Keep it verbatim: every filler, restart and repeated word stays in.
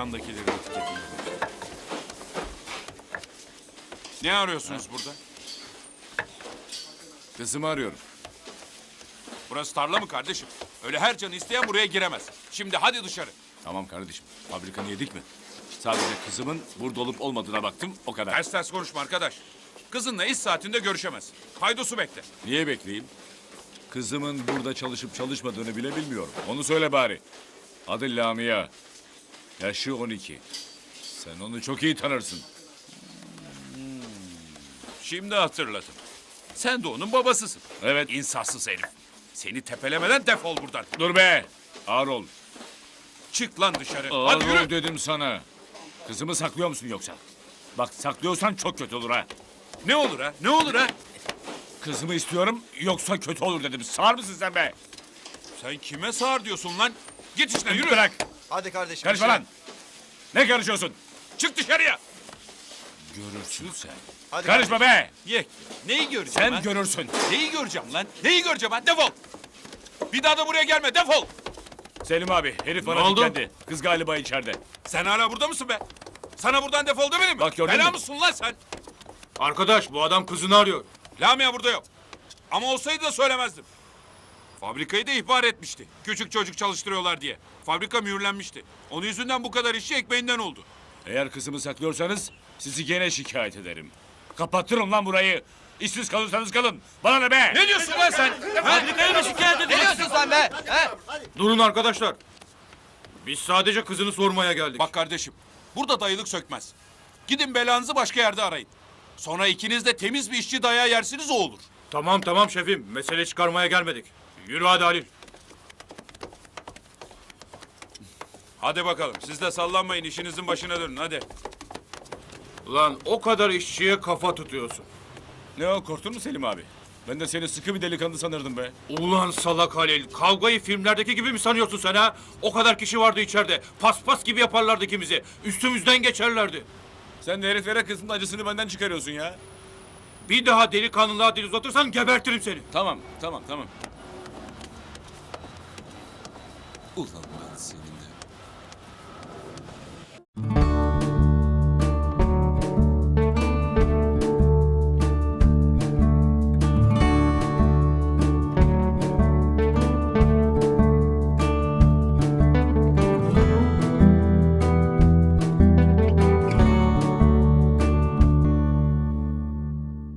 yandakilerin etiketini. Ne arıyorsunuz burada? Kızımı arıyorum. Burası tarla mı kardeşim? Öyle her canı isteyen buraya giremez. Şimdi hadi dışarı. Tamam kardeşim. Fabrikanı yedik mi? Sadece kızımın burada olup olmadığına baktım. O kadar. Ters ters konuşma arkadaş. Kızınla iş saatinde görüşemez. Paydosu bekle. Niye bekleyeyim? Kızımın burada çalışıp çalışmadığını bile bilmiyorum. Onu söyle bari. Adı Lamia. Yaşı on iki. Sen onu çok iyi tanırsın. Şimdi hatırladım. Sen de onun babasısın. Evet. İnsafsız herif. Seni tepelemeden defol buradan. Dur be. Ağır ol. Çık lan dışarı. Ağır Hadi ol yürü. dedim sana. Kızımı saklıyor musun yoksa? Bak saklıyorsan çok kötü olur ha. Ne olur ha? Ne olur ha? Kızımı istiyorum yoksa kötü olur dedim. Sağır mısın sen be? Sen kime sağır diyorsun lan? Git işine yürü. Bırak. Hadi kardeşim. Karışma işine. lan. Ne karışıyorsun? Çık dışarıya. Görürsün sen. Hadi Karışma kardeşim. be. Ye. Neyi göreceğim Sen lan? görürsün. Neyi göreceğim lan? Neyi göreceğim ben? Defol. Bir daha da buraya gelme. Defol. Selim abi herif bana Ne oldu? diklendi. Kız galiba içeride. Sen hala burada mısın be? Sana buradan defol demedim mi? Bak gördün Bela mü? mısın lan sen? Arkadaş bu adam kızını arıyor. Lamia burada yok. Ama olsaydı da söylemezdim. Fabrikayı da ihbar etmişti. Küçük çocuk çalıştırıyorlar diye. Fabrika mühürlenmişti. Onun yüzünden bu kadar işçi ekmeğinden oldu. Eğer kızımı saklıyorsanız sizi gene şikayet ederim. Kapattırın lan burayı. İşsiz kalırsanız kalın. Bana ne be? Ne diyorsun lan sen? Fabrikayı mı şikayet Ne diyorsun sen be? He? Durun arkadaşlar. Biz sadece kızını sormaya geldik. Bak kardeşim, burada dayılık sökmez. Gidin belanızı başka yerde arayın. Sonra ikiniz de temiz bir işçi dayağı yersiniz o olur. Tamam tamam şefim. Mesele çıkarmaya gelmedik. Yürü hadi Halil. Hadi bakalım, siz de sallanmayın, işinizin başına dönün hadi. Ulan o kadar işçiye kafa tutuyorsun. Ne o korktun mu Selim abi? Ben de seni sıkı bir delikanlı sanırdım be. Ulan salak Halil. Kavgayı filmlerdeki gibi mi sanıyorsun sen ha? O kadar kişi vardı içeride. Paspas gibi yaparlardı ikimizi. Üstümüzden geçerlerdi. Sen de heriflere kızın acısını benden çıkarıyorsun ya. Bir daha delikanlılığa dil uzatırsan gebertirim seni. Tamam, tamam, tamam. Ulan ben senin